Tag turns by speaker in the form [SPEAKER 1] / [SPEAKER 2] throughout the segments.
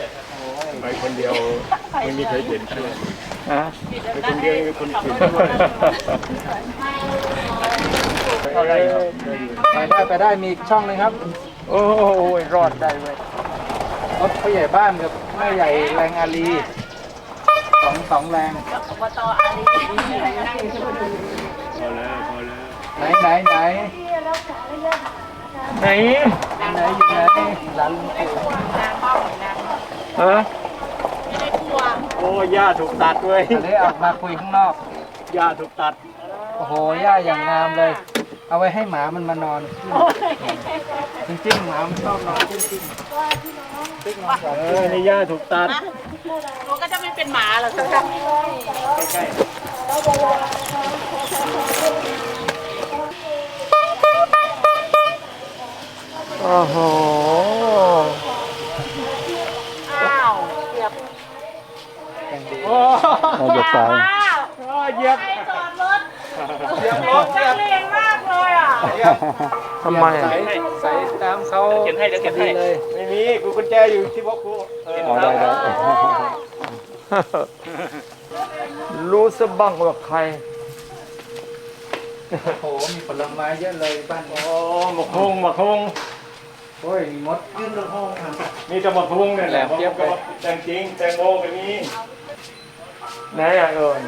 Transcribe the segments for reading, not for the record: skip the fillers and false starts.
[SPEAKER 1] ไปคนเดียวไม่มีใครเห็นด้วย
[SPEAKER 2] ฮะ
[SPEAKER 1] ไปคนเดียวมีคนผิดเข้าได้ครับ
[SPEAKER 3] ไปได้มีอีกช่องหนึงครับ
[SPEAKER 2] โอ้ยรอดได้เว้ย
[SPEAKER 3] รถผู้ใหญ่บ้านกับแม่ใหญ่แรงอารีสองแรง
[SPEAKER 1] พอแล้วพอแล้ว
[SPEAKER 3] ไหนไหนไหน
[SPEAKER 2] ไหน
[SPEAKER 3] ไหนอยู่ไหนร้านลุงปู่
[SPEAKER 2] ฮะ
[SPEAKER 1] โอ้ย่าถูกตัดด้วย
[SPEAKER 3] อันนี้ออกมาคุยข้างนอก
[SPEAKER 1] ย่าถูกตัด
[SPEAKER 3] โอ้โหหญ้าอย่างงามเลย เอาไว้ให้หมามันมานอนจริงๆหมามันชอบนอนจริงๆ
[SPEAKER 1] นี่ย่าถูกตัด
[SPEAKER 4] หนูก็จะไม่เป็นหมาหรอกค่ะ
[SPEAKER 1] ใกล้
[SPEAKER 2] โอ้โห
[SPEAKER 4] อ้าวเกือบ
[SPEAKER 1] ๆโอ้
[SPEAKER 2] เราจะตาย
[SPEAKER 1] เหยียบ
[SPEAKER 4] ใครจอดรถนักเลงมากเลยอ่ะ
[SPEAKER 2] ทำไม
[SPEAKER 3] ใส่ตามเขา
[SPEAKER 1] เขียนให้เดี๋ยวเขียนให้เลยไม่มีกูกุญแจอยู่ที่บล็อกกู
[SPEAKER 2] อ๋อได้ได้รู้สะบ้างว่าใคร
[SPEAKER 3] โอ้โหมีผลไม้เยอะเลยบ้าน
[SPEAKER 1] โอ้หมกฮงหมกฮง
[SPEAKER 3] โอ้ยมีมดยื่นลูกห้องครับ
[SPEAKER 1] มีแต่หมกฮงเนี่ยแหละ
[SPEAKER 3] เทียบไป
[SPEAKER 1] แตงจริงแตงโมก็มี
[SPEAKER 2] ไหนอ่ะเอิญ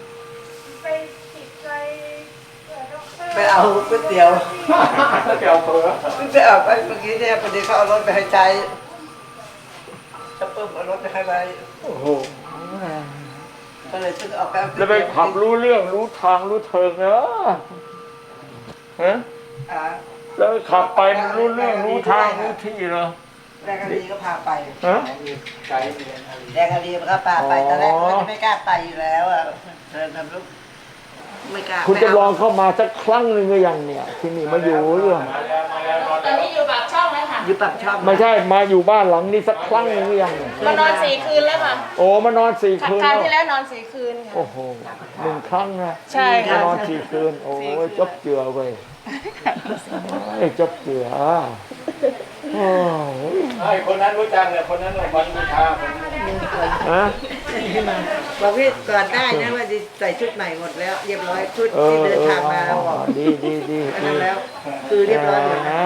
[SPEAKER 5] ไปเอาก๋วยเตี๋ยว
[SPEAKER 1] เกี่ยวเผือ
[SPEAKER 5] ไปเอาไปเมื่อกี้เนี่ยพอดีเขาเอารถไปให้ใช้จะเพิ่มเอารถไปให้ไป
[SPEAKER 2] โอ้โห
[SPEAKER 5] ก็เลยซื้อเอาไปเอาก๋
[SPEAKER 2] แล้ว
[SPEAKER 5] ย
[SPEAKER 2] ไป
[SPEAKER 5] เตี๋ยว
[SPEAKER 2] ขับรู้เรื่องรู้ทางรู้เทิงเนอะฮะ
[SPEAKER 5] อ่า
[SPEAKER 2] แล้วขับไปมันรู้เรื่องรู้ทางรู้ที่เหรอ
[SPEAKER 5] แดงอารีก็พาไป
[SPEAKER 2] ฮะ
[SPEAKER 3] ไกด์เรียนอะไร
[SPEAKER 5] แดงอารีมันก็พาไปตอนแรกมันก็ไม่กล้าไปอยู่แล้วอ่ะเดินทำลูกไม่กล้า
[SPEAKER 2] คุณจะลองเข้ามาสักครั้งหนึ่งหรือยังเนี่ย ที่นี่มาอยู่เรื่อง
[SPEAKER 4] ตอนนี้อยู่ปากช่องแล้วค่ะ
[SPEAKER 5] อยู่ปากช่อง
[SPEAKER 2] ไม่ใช่มาอยู่บ้านหลังนี้สักครั้งหนึ่งหรือยังเนี่ย
[SPEAKER 4] มานอน4 คืนแล้วค่ะ
[SPEAKER 2] โอ้มานอน4 คืน
[SPEAKER 4] ครั้ง
[SPEAKER 2] แล้ว
[SPEAKER 4] ที่แล้วนอน4 คืนค่ะ
[SPEAKER 2] โอ้โห1 ครั้งนะ
[SPEAKER 4] ใช่
[SPEAKER 2] มา
[SPEAKER 4] ค่ะ
[SPEAKER 2] นอน4 คืน โอ้ยจบเจือเว้ยไอ้จบเจือโอ้ย
[SPEAKER 1] ไอ้คนนั้นรู้จักเนี่ยคนนั้นวันบูชาคนนี้
[SPEAKER 2] ฮะ
[SPEAKER 5] บอกพี่ก่อนได้นะว่าจะใส่ชุดใหม่หมดแล้ว เรียบร้อยชุดที่เดินทางมาแล้วบอก
[SPEAKER 2] ดีดีดี
[SPEAKER 5] อันนั้นแล้ว คือเรียบร้อยหมดแล้ว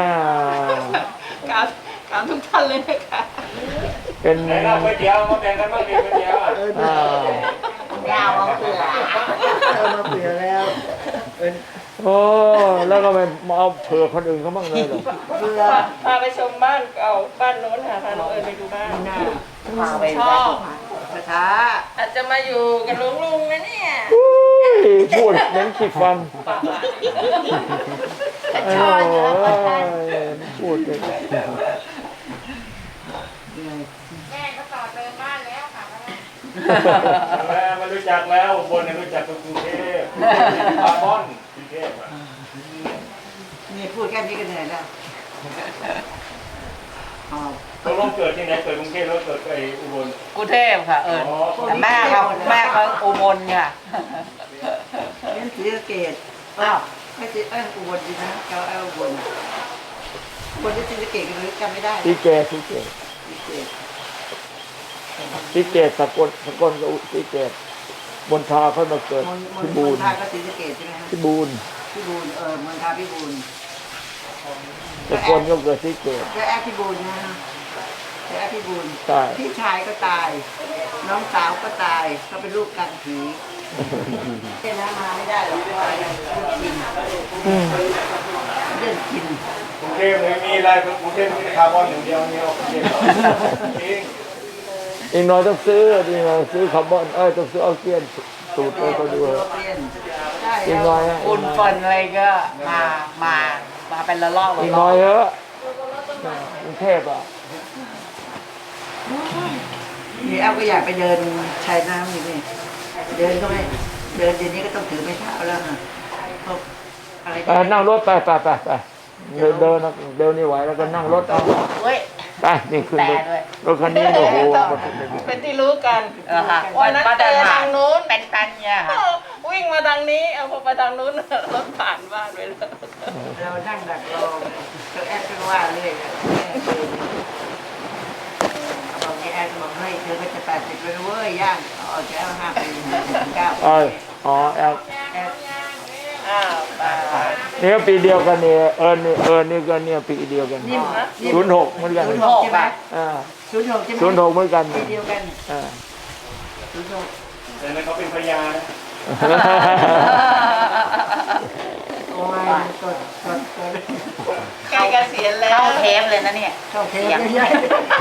[SPEAKER 4] กราบทุกท่านเลยนะคะ
[SPEAKER 2] เป็น
[SPEAKER 1] ไหนเราก๋วยเตี๋ยวมาแบ่งกันบ้างดิก๋วยเตี๋ยวอ่ะ
[SPEAKER 2] อ่าย
[SPEAKER 4] าวเอาเปลือก
[SPEAKER 5] เอามาเผื่อแล้วเป็น
[SPEAKER 2] โอ้แล้วก็ไปมาเอาเผื่อคนอื่นเขาบ้างเลยเหรอ
[SPEAKER 5] เผื่อ
[SPEAKER 4] พาไปชมบ้านเก่าบ้านโน้นค่ะพาน้องเอิญไปดูบ้าน
[SPEAKER 5] พาไป
[SPEAKER 4] ชอบ
[SPEAKER 5] ช้า
[SPEAKER 4] อาจจะมาอยู่กับลุงนะเนี่ย
[SPEAKER 2] อุ้ยพูดเน้นขีดฟัน
[SPEAKER 4] ชอบเยอะ
[SPEAKER 2] โอ้ยพูดเลย
[SPEAKER 4] แม่ก็ต่อเติมบ้านแล้วค่ะ
[SPEAKER 1] แล้วมารู้จักแล้วบนเนี่ยรู้จักกรุงเทพบาร์บอนกรุงเทพอ่ะ
[SPEAKER 5] นี่พูดแค่นี้ก็เหนื่อยแล้วอ๋อ
[SPEAKER 1] ตกลงเกิดที่ไหนเกิดกรุงเทพแล้วเกิดไปอุบล
[SPEAKER 6] กรุงเทพค่ะเอิญ
[SPEAKER 1] อ๋อ
[SPEAKER 6] แต่แม่เขาอุบลค่ะ
[SPEAKER 5] เล่นศรีสะเกษอ้าวไม่ใช่อุบลดีนะเขาอุบลอุบลที่ศรีสะเกษกันเลยจำไม่ได้
[SPEAKER 2] ที่เกศที่เกศ
[SPEAKER 5] ศรีสะเกษ
[SPEAKER 2] ที่เกศสกลกับที่เกศบนทาเขามาเกิด
[SPEAKER 5] มณ
[SPEAKER 2] ที่
[SPEAKER 5] ฑ
[SPEAKER 2] บู
[SPEAKER 5] ล
[SPEAKER 2] น
[SPEAKER 5] ท่าก็ศรีสะเกษใช่ไหมฮะ
[SPEAKER 2] ที่บูน
[SPEAKER 5] พี่บูลมณฑาพี่บูล
[SPEAKER 2] สกลก็เกิดที่เกศ
[SPEAKER 5] เจ้าแอดพี่บูลนะเจ้าแอดพี่บูล
[SPEAKER 2] ใช่
[SPEAKER 5] พี่ชายก็ตาย น้องสาวก็ตายเขาเป็นลูกกันผีเนี่ยนะมาไม่ได้หรอกเพราะว่าเรื่องกินเรื่องกิน
[SPEAKER 1] กรุงเทพไม่มีอะไรกรุงเทพมีคาร์บอนอย่างเดียวเนี่ยกรุงเทพจริง
[SPEAKER 2] อีกหน่อยต้องซื้ออีกหน่อยซื้อคาร์บอนต้องซื้อออกซิเจนสูตรไปเขาดู
[SPEAKER 5] เปลี่ยนใช่
[SPEAKER 2] อีกหน่อยฮะ
[SPEAKER 6] อุ่นฝนอะไรก็มาเป็นละลอก
[SPEAKER 2] อี
[SPEAKER 6] ละ
[SPEAKER 2] ก
[SPEAKER 6] ล
[SPEAKER 2] หน่
[SPEAKER 6] อ
[SPEAKER 2] อย
[SPEAKER 6] ก
[SPEAKER 2] เถอะกรุงเทพอ่ะ
[SPEAKER 5] นี่แอลก็อยากไปเดินชายน้ำอยู่นี่เดินก็ไม่เดินเดี๋ยวนี้ก็ต้องถือไม้เท้าแล้วค่ะพวกอะไร
[SPEAKER 2] ไปนั่งรถไปเดินนี่ไหวแล้วก็นั่งรถเอา
[SPEAKER 6] เว้ย
[SPEAKER 2] ไปนี่ขึ้นรถ
[SPEAKER 6] แต่ด้วย
[SPEAKER 2] รถคันนี้โอ้โห
[SPEAKER 4] เป็นที่รู้กัน
[SPEAKER 6] ค่ะ
[SPEAKER 4] วันนั้นเจอทางนู้น
[SPEAKER 6] เป็นตันเนี่ยค่ะ
[SPEAKER 4] วิ่งมาทางนี้เอาพอไปทางนู้นรถผ่านบ้านไปแล้ว
[SPEAKER 5] เรานั่งดักรอเจ้าแอดก็ว่าเรื่อยอะบอกนี่แอดก็บอกเฮ้ยเธอก็จะ80แล้วเว้ยย่างเอาแค่5 ปี9
[SPEAKER 2] อ๋อแอล
[SPEAKER 4] อ้าวตาย
[SPEAKER 2] นี่ก็ปีเดียวกันเนี่ยนี่ก็เนี่ยปีเดียวกัน06เหมือนกัน
[SPEAKER 5] 06ใช่ไหม
[SPEAKER 2] อ่า
[SPEAKER 5] 06ใช่ไหม
[SPEAKER 2] 06เหมือนกัน
[SPEAKER 5] ปีเดียวกัน
[SPEAKER 2] อ่า
[SPEAKER 5] 06
[SPEAKER 1] แต่นั้นเขาเป็นพยานนะ
[SPEAKER 5] โอ้ยกด
[SPEAKER 4] ใกล้เกษียณแล้ว
[SPEAKER 6] เข้าเทปเลยนะเนี่ย
[SPEAKER 5] เข้าเทปใหญ่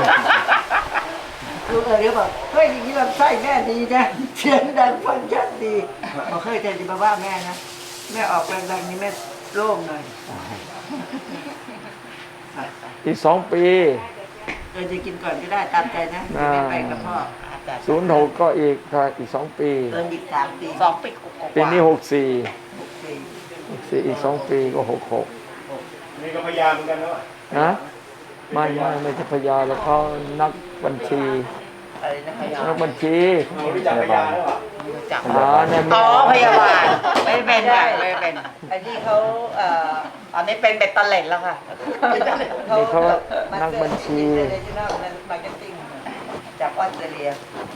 [SPEAKER 5] ลูกเดี๋ยวบอกเฮ้ยอย่างนี้ลำไส้แม่ดีนะเสียงดังฟังชัดดีบอกเฮ้ยแต่จะมาว่าแม่นะแม่ออกแรงๆนี้แม่โล่งหน่อย
[SPEAKER 2] อีก2 ปี
[SPEAKER 5] จะกินก่อนก็ได้ตามใจนะไม่ไปกับพ่อ
[SPEAKER 2] 06ก็อีก2 ปี
[SPEAKER 5] อีก3 ปี
[SPEAKER 6] 2 ปีกว่า
[SPEAKER 2] ปีนี้64
[SPEAKER 5] 6 ปี
[SPEAKER 2] 64อีก2 ปีก็66
[SPEAKER 1] นี่ก็พยานเหมือนกันแล้ว
[SPEAKER 2] นะไม่ใช่พยาแล้วเขานักบัญชี
[SPEAKER 5] อะไรนะพยา
[SPEAKER 2] นักบัญชี
[SPEAKER 1] เขารู้จักพยานแล้วอ่ะ
[SPEAKER 6] จับ
[SPEAKER 2] เนี่ย
[SPEAKER 6] อ๋อพยาบาลไม่เป็นค่ะไม่เป็น
[SPEAKER 5] อันนี้เขา
[SPEAKER 6] ตอนนี้เป็นเบ็ดเตล็ดแล้วค่ะ
[SPEAKER 2] นี่เขานักบัญชี
[SPEAKER 5] มาร์เก็ตติ้งจากออสเตรเลีย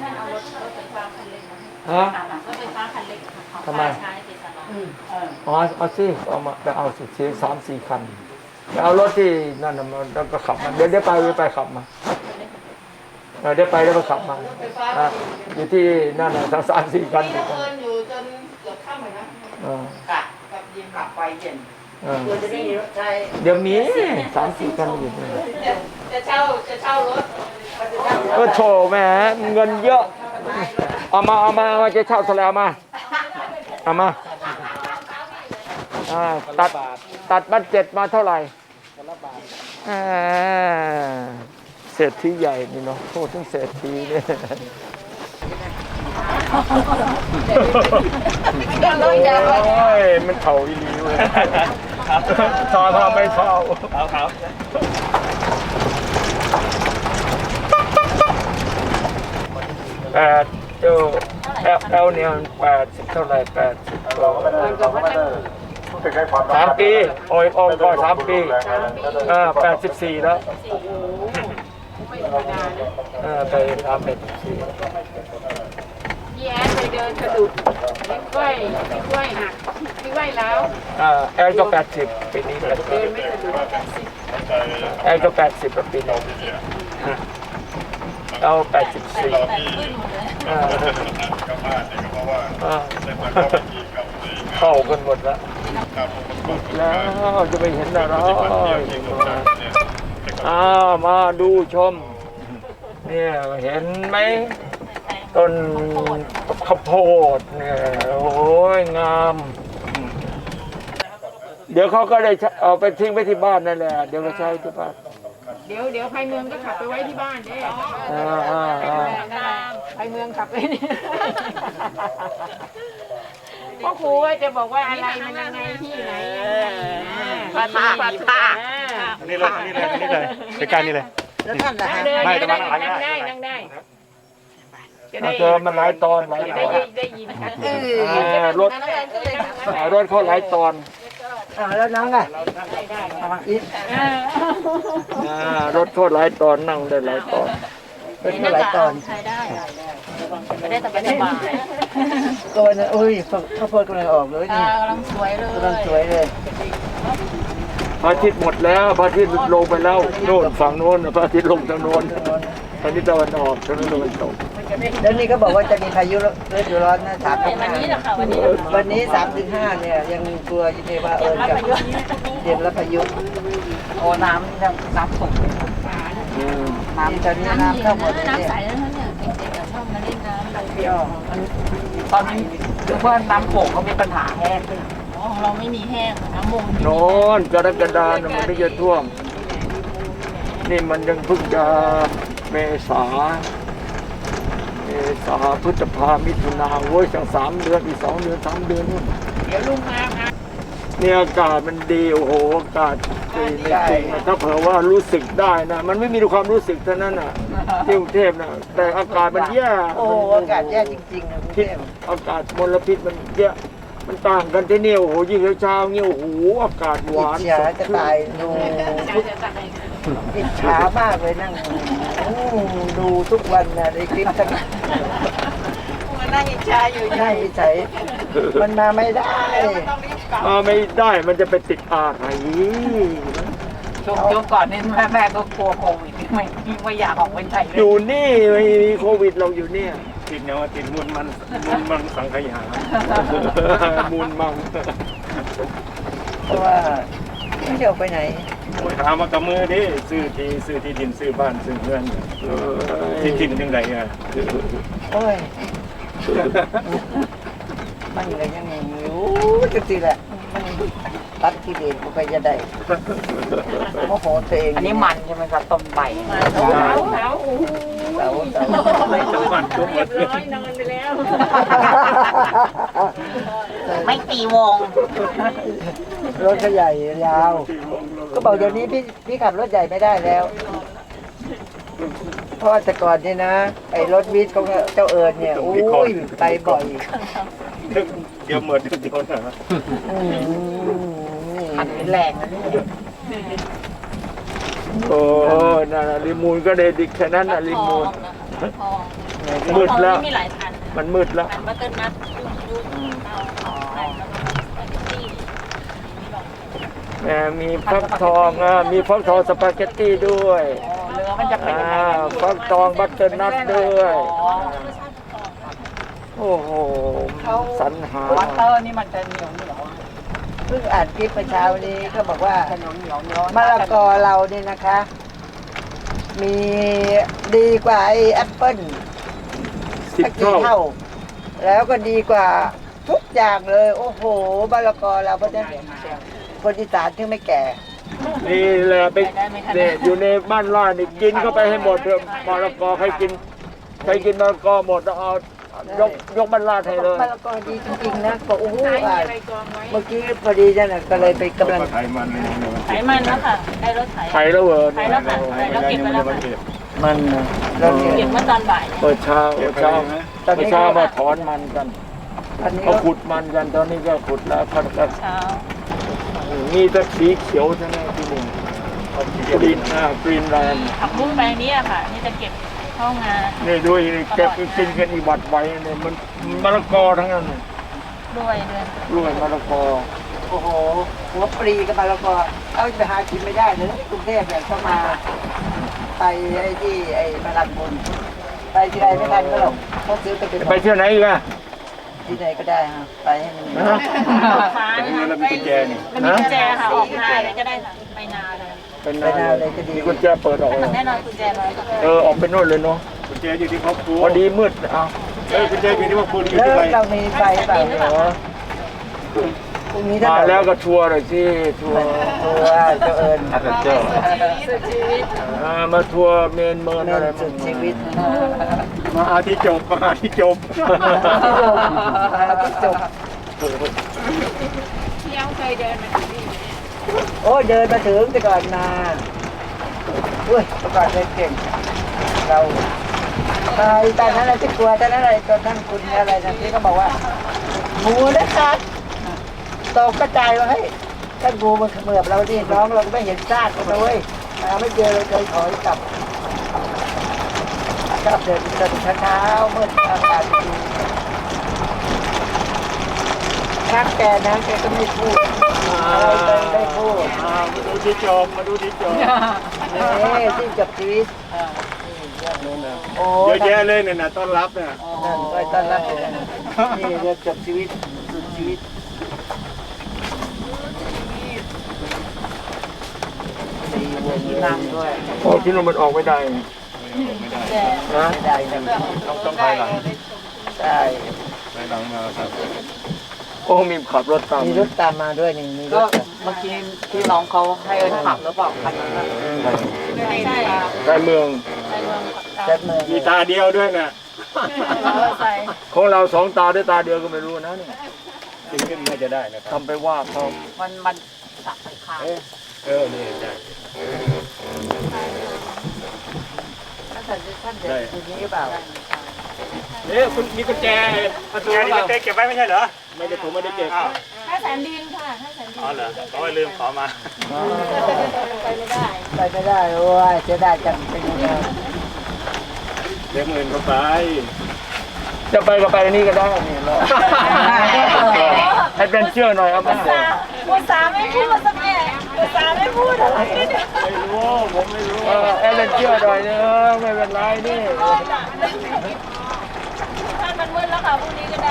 [SPEAKER 2] ฮะทำไมเอาสิเอามาไปเอาสิ3-4 คันไปเอารถที่นั่นน่ะมันแล้วก็ขับมาเดี๋ยวไปขับมาเดี๋ยวไปขับมาอยู่ที่นั่นน่ะ3-4 คันอยู่กัน
[SPEAKER 4] อยู่จนเกือบค่ำเลยนะ
[SPEAKER 6] กะกับเย็นกลับไปเย็น
[SPEAKER 5] ควรจะได้มีรถใช้
[SPEAKER 2] เดี๋ยวมี3-4 คันอยู่นี่
[SPEAKER 4] จะเช่ารถ
[SPEAKER 2] ก็โชว์แหม่เงินเยอะเอามาจะเช่าเท่าไหร่เอามาตัดบัตเจ็ตมาเท่าไหร่เศรษฐีใหญ่นี่เนาะโทษถึงเศรษฐีเนี่ยโอ้ยมันเท่าอีหลีเว้ยทอไม่เท่า8เจ้าแอลเนี่ย80เท่าไหร่80 3 ปีโอ้ยออกก่อน3 ปี84แล้วไปทำเป็น
[SPEAKER 7] พ
[SPEAKER 2] 4
[SPEAKER 7] ี่แอนไปเดินสะดุดนิ้วก้อยหักนิ้วก้อยแล้ว
[SPEAKER 2] แอลก็80ปีนี้80
[SPEAKER 7] เดินไม่สะดุด
[SPEAKER 2] แอลก็80แล้วปีนี้เอา84เข้ากันหมดแล้วจะไปเห็นอะไรมาดูชมเนี่ยเห็นไหมต้นข้าวโพดเนี่ยโอ้ยงามเดี๋ยวเขาก็ได้เอาไปทิ้งไปที่บ้านนั่นแหละเดี๋ยวก็ใช้ที่บ้าน
[SPEAKER 7] เดี๋ยวไพเมืองก็ขับไปไว้ที่บ้านเด้ไพเมืองขับไปนี่พ่อครูว่าจะบอกว่าอะไรมันยังไงที่ไหน
[SPEAKER 6] ผ้ามีผ้า
[SPEAKER 1] นี่เลยใกล้ๆนี่เลย
[SPEAKER 5] แล้วท่านล่ะฮะ
[SPEAKER 7] ไม่แต่ว่านั่งได้จะได้
[SPEAKER 2] เจอมันหลายตอนหลายตอน
[SPEAKER 7] ได้ยินชัด
[SPEAKER 2] รถเขาหลายตอน
[SPEAKER 5] แล้วน้องอ่ะ
[SPEAKER 2] รถเขาหลายตอนนั่งได้หลายตอน
[SPEAKER 5] เป็นเท่าไหร่ตอน
[SPEAKER 7] ไม่ได้สบาย
[SPEAKER 5] ตัวนั้นอุ้ยข้าวโพดกำลังออกเลยนี่
[SPEAKER 7] กำลังสวยเลย
[SPEAKER 5] กำลังสวยเลย
[SPEAKER 2] พระอาทิตย์หมดแล้วพระอาทิตย์ลงไปแล้วโน่นฝั่งโน้นพระอาทิตย์ลงทางโน้นตอนนี้ตะวันออกทางนั้นตะวันตก
[SPEAKER 5] แล้วนี่ก็บอกว่าจะมีพายุฤดูร้อนนะ3-5
[SPEAKER 7] วันนี้แหละค่ะวันนี้
[SPEAKER 5] วันนี้3-5เนี่ยยังกลัวอยู่เลยว่าจะเตรียมรับพายุ
[SPEAKER 6] โอ้น้ำสูง
[SPEAKER 5] น้ำตอนนี้น้ำเข้าหมดเลย
[SPEAKER 7] น้ำใส
[SPEAKER 5] เนี่ย
[SPEAKER 7] แล้วเนี่ยเด็กๆชอบมาเล่นน้ำ
[SPEAKER 5] พี่อ้อมัน
[SPEAKER 6] ตอนนี้คือว่าน้ำโขงเขามีปัญหาแห้ง
[SPEAKER 7] ของเราไม่มีแห้งน้ำมง
[SPEAKER 2] โน้นกรกฎาคมมันไม่จะท่วมนี่มันยังเพิ่งจะเมษาพฤษภามิถุนาโว้ยตั้ง3 เดือนอีก2 เดือน3 เดือนนู่น
[SPEAKER 7] เดี๋ยวลุงมาค่ะ
[SPEAKER 2] เนี่ยอากาศมันดีโอ้โหอากาศดีไม่จริงนะถ้าเผื่อว่ารู้สึกได้นะมันไม่มีความรู้สึกเท่านั้นน่ะที่กรุงเทพนะแต่อากาศมันแย่
[SPEAKER 5] โอ้อากาศแย่จริงๆนะกรุง
[SPEAKER 2] พิษ
[SPEAKER 5] เทพ
[SPEAKER 2] อากาศมลพิษมันเยอะมันต่างกันที่นี่โอ้โหยิ่งเช้าๆเงี้ยโอ้โหอากาศหวาน
[SPEAKER 5] เสียจะตายดู
[SPEAKER 7] จะตาย
[SPEAKER 5] อิจฉามากเลยนั่งดูทุกวันนะในคลิปทั้ง
[SPEAKER 4] มันนั่งอิจฉาอยู่
[SPEAKER 5] นั่งเฉยมันมาไม่ได้
[SPEAKER 4] ต้องรีบกลับ
[SPEAKER 2] ไม่ได้มันจะไปติดอะไร
[SPEAKER 6] ช่วงก่อนนี่แม่ก็กลัวโควิดไม่อยากออกไปไหนเล
[SPEAKER 2] อย ยู่นี่ไม่มีโควิดเราอยู่เนี่ย
[SPEAKER 1] ติดเนี่ยว่าติดมูลมันสังขยา
[SPEAKER 2] มูลมัง
[SPEAKER 5] เพราะว่าไม่เที่ยวไปไหน
[SPEAKER 1] โอ้ยหามากับมือดิซื้อที่ดินซื้อบ้านซื้อเงินที่ดินยังไงอ่ะ
[SPEAKER 5] โอ้ยมันเลยยังไงไม่รู้จังสิแหละมันตัดที่เด็กกูไปจะได้โมโหตัวเอง
[SPEAKER 6] อันนี้มันใช่ไหมครับต้มใบ
[SPEAKER 4] หนาวหนาวโอ้โห
[SPEAKER 5] เสา
[SPEAKER 1] ไม่ต้องมันทุก
[SPEAKER 4] เรี
[SPEAKER 1] วั
[SPEAKER 4] ย
[SPEAKER 1] น
[SPEAKER 4] บร้อยนอนไปแล้ว
[SPEAKER 6] ไม่ตีวง
[SPEAKER 5] รถก็ใหญ่ยาว ก็บอกเดี๋ยวนี้พี่ขับรถใหญ่ไม่ได้แล้ว เพราะว่าแต่ก่อนนี่นะ ไอ้รถวิทย์ของเจ้าเอิญเนี่ยโอ้ยไปบ่อย
[SPEAKER 1] เดี๋ยวเหมือนเดี๋ยวนะ
[SPEAKER 6] ขันแรงนะนี่
[SPEAKER 2] โอ้นั่นน่ะลิมูนก็เดดิกแค่นั้นน่ะลิมูน
[SPEAKER 4] ทอง
[SPEAKER 2] มืดแล้ว
[SPEAKER 4] มีหลายพัน
[SPEAKER 2] มันมืดแล้ว
[SPEAKER 4] พันบัตเตอร์นัทยุ่งเตาอะไรแล้วก็สปาเกตตี้
[SPEAKER 2] มีฟักทองมีฟักทองสปาเกตตี้ด้วย
[SPEAKER 6] เนื้อมันจะเป็นยังไง
[SPEAKER 2] ฟักทองบัตเตอร์นัทด้วยโอ้โหสรรหา
[SPEAKER 6] วัตเตอร์นี่มันจะเหนียว
[SPEAKER 5] เพิ่งอ่านคลิปเมื่อเช้านี้ก็บอกว่า
[SPEAKER 6] จะเหนียว
[SPEAKER 5] มะละกอเราเนี่ยนะคะ มีดีกว่าไอ้แอปเปิ้ล
[SPEAKER 2] สิบ
[SPEAKER 5] สักกี่
[SPEAKER 2] เท่า
[SPEAKER 5] เท่า แล้วก็ดีกว่าทุกอย่างเลย โอ้โหมะละกอเราเพราะฉะนั้นคนอีสานที่ไม่แก่
[SPEAKER 2] นี่แหละไปเนี่ยอยู่ในบ้านล่านี่กินเข้าไปให้หมดเถอะมะละกอใครกินมะละกอหมดเอายกบ้านล่าให้เลย
[SPEAKER 5] มะละกอดีจริงๆนะบอกโอ้โห
[SPEAKER 7] ใช้
[SPEAKER 5] อ่าน
[SPEAKER 7] อะไรกองไว้
[SPEAKER 5] เมื่อกี้พอดีนั่นน่ะก็เลยไปกำลัง
[SPEAKER 1] ไขมันเลย
[SPEAKER 4] ไขมันแล้วค่ะ ได้รถไถ
[SPEAKER 2] ไข่แล้วเหรอ
[SPEAKER 4] ไถแล้วค่ะไถแล้วเก็บไปแล้วค่ะ
[SPEAKER 5] มันน่ะเราเนี่ย
[SPEAKER 4] เก็บเมื่อตอนบ่าย
[SPEAKER 2] เปิดเช้ามาถอนมันกัน
[SPEAKER 5] ตอนนี้
[SPEAKER 2] เขาขุดมันกันตอนนี้ก็ขุดแล้วเขาก็
[SPEAKER 4] เช้า
[SPEAKER 2] มีแต่สีเขียวใช่ไหมที่นี่กรีนแลนด์
[SPEAKER 4] ผักบุ้งแปลงนี้อะค่ะ นี่จะเก็บเข้างาน
[SPEAKER 2] นี่ด้วยเก็บกินกันอีบัดไว้เนี่ยมันมะละกอทั้งนั้นเลย
[SPEAKER 4] ด้วยเดือน
[SPEAKER 2] ด้วยมะละกอ
[SPEAKER 5] โอ้โหหัวปรีกับมะละกอเอาไปหากินไม่ได้เลยกรุงเทพเนี่ยเข้ามาไปไอ้ที่ไอ้มาลังบุญไปที่ใดไม่ทันก็หรอกเขาซื้อไปเป็น
[SPEAKER 2] ไปเที่ยวไหนอีกอะ
[SPEAKER 5] ที่ไหนก็ได้ฮะไปให้มัน
[SPEAKER 2] ฮะ
[SPEAKER 4] ฟ้า
[SPEAKER 1] ตรง
[SPEAKER 4] นะ
[SPEAKER 1] นี้
[SPEAKER 4] คะ
[SPEAKER 1] เรามีกุญแจนี่
[SPEAKER 4] แล้วมีกุญแจค่ะ ออกนาเลยก็ได้ค่ะ ไปนาเลย
[SPEAKER 2] เป็น
[SPEAKER 5] ไปนาเลยก็ดี
[SPEAKER 2] มีกุญแจเปิดออกเลย
[SPEAKER 4] แน่นอนกุญแจร้อยค่ะ
[SPEAKER 2] ออกไปโน่นเลยเนาะ
[SPEAKER 1] กุญแจอยู่ที่ครอบครัว
[SPEAKER 2] พอดีมืดเอา
[SPEAKER 1] กุญแจอยู่ที่ครอบครัวอยู่
[SPEAKER 5] แล้ว
[SPEAKER 1] ที่ใคร
[SPEAKER 5] เรามีไฟเปล่าเหรอพรุ่งนี้ถ้า
[SPEAKER 2] มาแล้วก็ทัวร์เลยสิทัวร์
[SPEAKER 5] ตัวเจ้าเอิญ
[SPEAKER 4] สุดชีวิต
[SPEAKER 2] มาทัวร์เมนเมิน
[SPEAKER 5] เงิ
[SPEAKER 2] อะไร
[SPEAKER 5] นสุดชีวิต
[SPEAKER 1] มาหาที่จบมาหาที่จบ
[SPEAKER 5] จบ
[SPEAKER 7] ที่ยังเคยเดินมาที่นี่
[SPEAKER 5] โอ้เดินมาถึงแต่ก่อนมาอุ้ยแต่ก่อนเดินเก่งเราไปตอนนั้นเราจะกลัวตอนนั้นอะไรตอนนั้นคุณอะไรนั่นที่เขาบอกว่างูนะครับตกกระจายว่าเฮ้ยถ้างูมันเขมือบเราดิน้องเราก็ไม่เห็นซากมันเลยหาไม่เจอเลยเคยถอยกลับชอบเดินเช้าๆมืดอากาศดีรักแกนะแกก็ไม่พูดเราเลยได้พูด
[SPEAKER 1] มาดูที่จบมาดูที่จบ
[SPEAKER 5] นี่ที่จบชีวิตโอ้
[SPEAKER 1] เยอะแยะเลยเนี่ยนะต้อนรับเนี่ย
[SPEAKER 5] นั่นก็ต้อนรับเลยนี่เรื่องจบชีวิตสุดชีวิต
[SPEAKER 6] นั่งด้วย
[SPEAKER 2] โอ้ที่นู่นมันออกไม่ได้นะ
[SPEAKER 5] ไม่ได้นะ
[SPEAKER 1] ต้องภายหลัง
[SPEAKER 5] ใช่
[SPEAKER 1] ภายหลังมาครับ
[SPEAKER 2] โอ้มีขับรถตาม
[SPEAKER 5] มีรถตามมาด้วยนี่มีร
[SPEAKER 6] ก็
[SPEAKER 5] ถ
[SPEAKER 6] เมื่อกี้ที่น้องเขาให้เอิญขับหรือเปล่าคันนั้นน่ะ
[SPEAKER 4] ไม่ใช่
[SPEAKER 2] ในเมือง
[SPEAKER 4] ในเมือง
[SPEAKER 5] แจ็คเมือง
[SPEAKER 1] มีตาเดียวด้วยนะ
[SPEAKER 4] ใส่
[SPEAKER 2] ของเราสองตาด้วยตาเดียวก็ไม่รู้นะเนี่ย
[SPEAKER 1] จริงขึ้นน่าจะได้นะครับ
[SPEAKER 2] ทำไปว่าเขา
[SPEAKER 6] มันสับไปข้าง
[SPEAKER 1] นี่ได้
[SPEAKER 5] ท่านเด็กทีนี้หรือเปล่า
[SPEAKER 1] คุณมีกุญแจประตูนี่กุญแจเก็บไว้ไม่ใช่เหรอไม่ได้ผมไม่ได้เก็บ
[SPEAKER 4] ถ้าแสนดินค่ะถ้าแสนดิน
[SPEAKER 1] อ๋อเหรอเขาลืมขอมา
[SPEAKER 5] ไปไม่ได้โอ้ยจะได้จังเป็นยังไง
[SPEAKER 1] เดี๋ยวมื่นก็ไป
[SPEAKER 2] จะไปก็ไปอันนี้ก็ได้นี่เนาะให้เป็นเชื่อหน่อยเอามา
[SPEAKER 4] ภาษาไม่พูดสักแง่ภาษาไม่พูดอะไรเนี่ย
[SPEAKER 1] ไม่รู้ผมไม่รู้
[SPEAKER 2] ให้เป็นเชื่อหน่อยเนอะไม่เป็นไรนี่
[SPEAKER 4] ท่านมันมืดแล้วค่ะพรุ่งนี้ก็ได้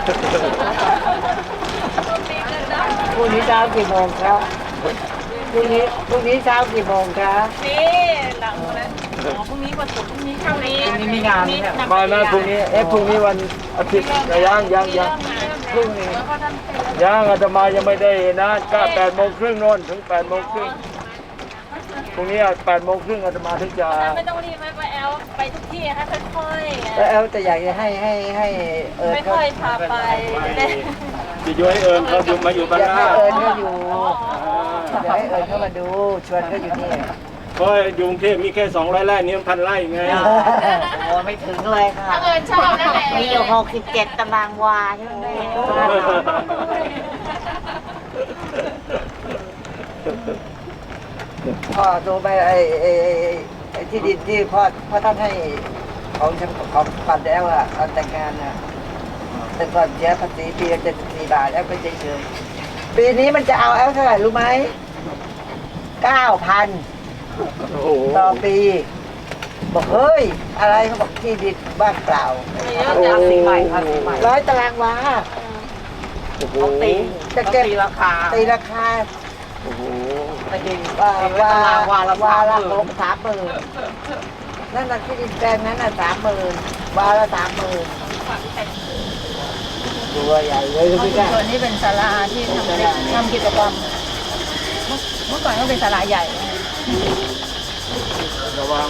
[SPEAKER 4] พรุ่งนี้ก็ได้
[SPEAKER 5] พรุ่งนี้เช้ากี่โมงครับพรุ่งนี้เช้ากี่โมงครับ
[SPEAKER 4] นี่หลังนั้นพรุ่งนี้วันศุกร์พรุ่งนี้เท่านี้
[SPEAKER 5] พรุ่งนี้มีงานเนี่ย
[SPEAKER 2] มานะพรุ่งนี้พรุ่งนี้วันอาทิตย์ยังพรุ่งนี้ยังอาตมายังไม่ได้นะก็8:30โน่นถึง8:30พรุ่งนี้8:30อาตมาถึงจะ
[SPEAKER 4] ไม่ต้องรีบไปแอลไปทุกที่ให้ค่อยๆ
[SPEAKER 5] แล้วแอลจะอยากจะให้
[SPEAKER 4] ไม่
[SPEAKER 5] เอิญเขา
[SPEAKER 4] ค่อยพาไปจะได้
[SPEAKER 1] จะย้อยเอิญเขาอยู่มาอยู่บ้าน
[SPEAKER 5] อยาก
[SPEAKER 1] หน้า
[SPEAKER 5] ให้เอิญเขาอยู่อยากให้เอิญเขามาดูชวนเขาอยู่นี่
[SPEAKER 1] เพราะอยู่กรุงเทพมีแค่200 ไร่นี่1,000 ไร่ไง
[SPEAKER 5] โอ้ไม่ถึงเลยค่ะ
[SPEAKER 7] เอิญชอบนั่นแหละ
[SPEAKER 5] มีอยู่67 ตารางวาใช่ไหมพ่อดูไปไอ้ที่ดินที่พ่อท่านให้ของปันแล้วอ่ะตอนแต่งงานอ่ะแต่ก่อนเสียภาษีปีละ74 บาทแล้วก็เฉยๆปีนี้มันจะเอาเท่าไหร่รู้ไหม 9,000
[SPEAKER 2] โอ้โห
[SPEAKER 5] ต่อปีบอกเฮ้ยอะไรเขาบอกที่ดินบ้านเปล่า
[SPEAKER 6] ภาษีใหม่ภาษีใหม่
[SPEAKER 5] 100 ตารางวา
[SPEAKER 2] โอ้โห
[SPEAKER 5] จะเก็บ
[SPEAKER 6] ตีราคา
[SPEAKER 5] ตีราคา
[SPEAKER 2] โอ้โห
[SPEAKER 6] ไปดี
[SPEAKER 5] วาละ
[SPEAKER 6] 30,000
[SPEAKER 5] 30,000นั่นน่ะที่ดินแปลงนั้นน่ะ30,000วาละ 30,000ตัวใหญ่เลยพี่ก้า
[SPEAKER 4] ส่วนนี้เป็นศาลาที่ทำกิจกรรมเมื่อก่อนก็เป็นศาลาใหญ่
[SPEAKER 2] ระวัง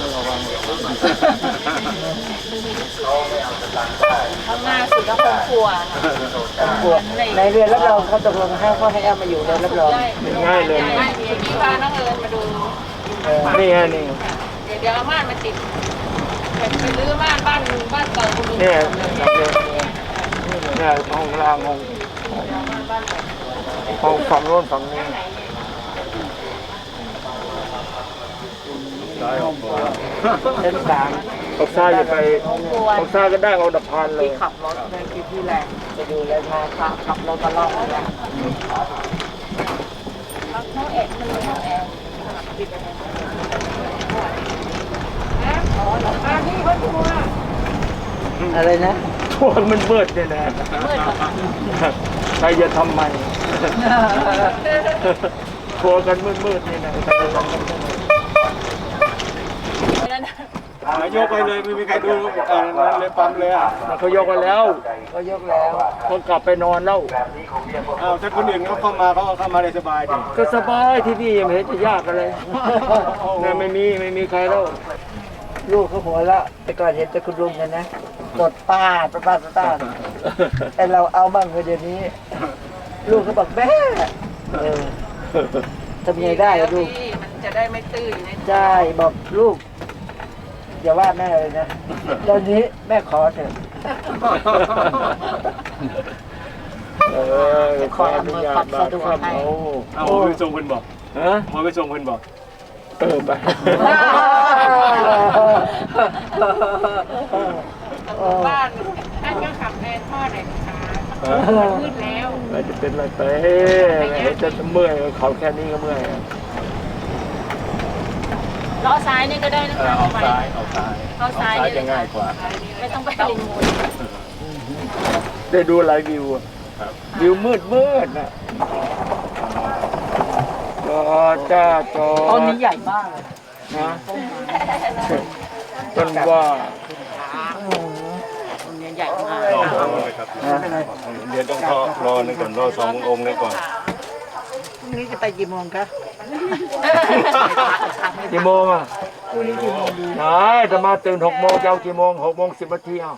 [SPEAKER 4] ข้างหน้าสุดก็คงครัว
[SPEAKER 5] ในเรือนรับรองเขาตกลงให้เขาให้เอามาอยู่ในรับรอง
[SPEAKER 2] ง่ายเลย
[SPEAKER 4] พี่พาน้องเอิญมาดู
[SPEAKER 2] นี่ฮะนี่
[SPEAKER 4] เดี๋ยวเอาม่านมาติดไปรื้อม่านบ้านเก่าคุณลุง
[SPEAKER 2] เนี่ยห้องล่างห้องฝั่งโน้นฝั่งนี้เป็นสามออกซ้ายจะไปออกซ้ายก็ได้เอาดับพานเลย
[SPEAKER 6] ขับรถในที่แรกไปดูเลยมาขับรถมาล่องเลย
[SPEAKER 5] อะไรนะ
[SPEAKER 2] ทั่วมันมืดเนี่ยนะใครจะทำไมทัวกันมืดนี่นะ
[SPEAKER 1] ยกไปเลยไม่มีใครดูนั่นเลยปั๊มเลยอ่ะ
[SPEAKER 2] เขายกกันแล้ว
[SPEAKER 5] ก็ยกแล้ว
[SPEAKER 2] เขากลับไปนอนแล้ว
[SPEAKER 1] อ้าวถ้าคนอื่นเขาเข้ามาได้สบายดิ
[SPEAKER 2] ก็สบายที่นี่ไม่เห็นจะยากอะไรเนี่ยไม่มีใครแล้ว
[SPEAKER 5] ลูกเขาหัวละแต่ก่อนเห็นแต่คุณลุงกันนะตดป้าแต่เราเอาบ้างเลยเดี๋ยวนี้ ลูกเขาบอกแม่ทำยังไงได้อะลูก
[SPEAKER 6] มันจะได้ไม่ตื้น
[SPEAKER 5] ใช่บอกลูกอย่าว่าแม่เลยนะตอนนี้แม่ขอเถอะ
[SPEAKER 2] ขออนุญาตมาครับ
[SPEAKER 1] เอาไปส่งเพิ่นบอก
[SPEAKER 2] ฮะ
[SPEAKER 1] มาไปส่งเพิ่นบอก
[SPEAKER 2] ไป
[SPEAKER 7] บ้านท่านก็ขับแทนพ่อหน่อยนะคะขึ้นแล้ว
[SPEAKER 2] ไม่จะเป็นอะไรไปจะเมื่อยเขาแค่นี้ก็เมื่อย
[SPEAKER 4] ล้อซ้ายนี่ก็ได้นะคะ
[SPEAKER 1] เอาซ้ายเอาซ้าย
[SPEAKER 4] ล้อซ้ายนี่
[SPEAKER 1] จะง่ายกว่า
[SPEAKER 4] ไม่ต้องไปริมมูล
[SPEAKER 2] ได้ดูหลายวิววิวมืดนะจอจ้าจอ
[SPEAKER 6] ต้นนี้ใหญ่มากเลย
[SPEAKER 2] นะต้นว่า
[SPEAKER 6] ต้นนี้ใหญ่มาก
[SPEAKER 1] รอเลยครับเดี๋ยวต้องรอนึงก่อนรอ2 องค์นึงก่อน
[SPEAKER 5] พรุ่งนี้จะไปกี่โมงคะ
[SPEAKER 2] กี่โมงอ่ะไหนจะมาตื่น6 โมงจะเอากี่โมง6:10 นาทีเอา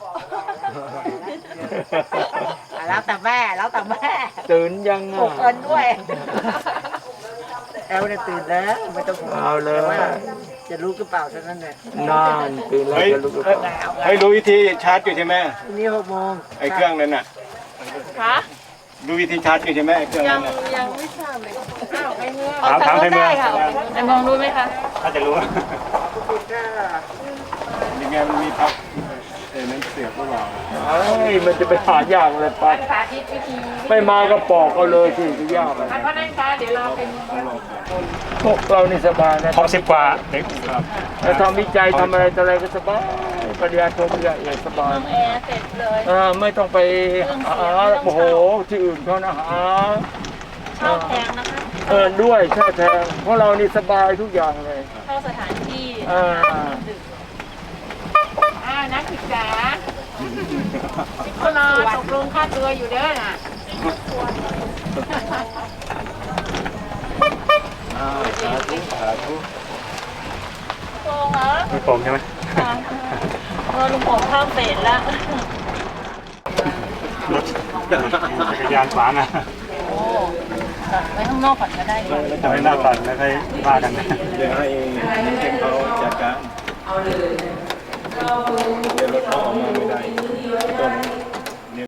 [SPEAKER 6] แล้วแต่แม่
[SPEAKER 2] ตื่นยังอ่ะ
[SPEAKER 6] เอิญด้วย
[SPEAKER 5] แอลเนี่ยตื่นแล้วไม่ต้องห่วง
[SPEAKER 2] เอาเลย
[SPEAKER 5] แต่ว่าจะรู้หรือเปล่าเท่านั้นแหละ
[SPEAKER 2] นานตื่นแล้วจะลุก
[SPEAKER 1] ให้รู้วิธีชาร์จอยู่ใช่ไหม
[SPEAKER 5] พรุ่งนี้6 โมง
[SPEAKER 1] ไอ้เครื่องนั้นน่ะ
[SPEAKER 4] คะ
[SPEAKER 1] ดูวิธีชาร์จใช่ไหมไอ้เครื่องนั้น
[SPEAKER 7] ยังไม่ทราบเลยอ้าวไอ้เนื้อ
[SPEAKER 1] ถามไทยเมือง
[SPEAKER 4] ไปมองดูไหมคะ
[SPEAKER 1] ถ้าจะรู้ยังไงมันมีพับนั้นเสียบหรือเปล่า
[SPEAKER 2] มันจะไปหายากเลยปั๊บ
[SPEAKER 7] สาธิตวิธี
[SPEAKER 2] ไม่มาก็ปอกเอาเลยที่จะยากอะไร
[SPEAKER 7] เพราะนั่นคะเดี๋ยวเราเป็น
[SPEAKER 2] พวกเรานี่สบายนะ
[SPEAKER 1] ท็อป10 กว่าเด็กครับ
[SPEAKER 2] จะทำวิจัยทำอะไรต่ออะไรก็สบายปริญญาโทปริญญาเอกสบาย
[SPEAKER 4] แอร์เสร็จเลย
[SPEAKER 2] ไม่ต้องไปหาโอ้โหที่อื่นเขานะหา
[SPEAKER 4] เช่าแพงนะคะ
[SPEAKER 2] ด้วยใช่แทงเพราะเรานี่สบายทุกอย่างเลย
[SPEAKER 4] เข้าสถานที่
[SPEAKER 7] นักศึกษาก็รอตกลงค่าตัวอยู่เด้อน่ะ
[SPEAKER 4] โกงเหรอ
[SPEAKER 1] มีผมใช่ไหม
[SPEAKER 4] ค่ะลุงผมข้ามเฟสแล้ว
[SPEAKER 1] รถจักรยานขวางอ่ะ
[SPEAKER 4] โอ้ตัดไว้ข้างนอกก่อนก็ได้ดีกว่า
[SPEAKER 1] แล้วจะไม่น่าตัดแล้วค่อยว่ากันนะ
[SPEAKER 5] เดี๋ยวให้เองเขาจัดการเดี๋ยว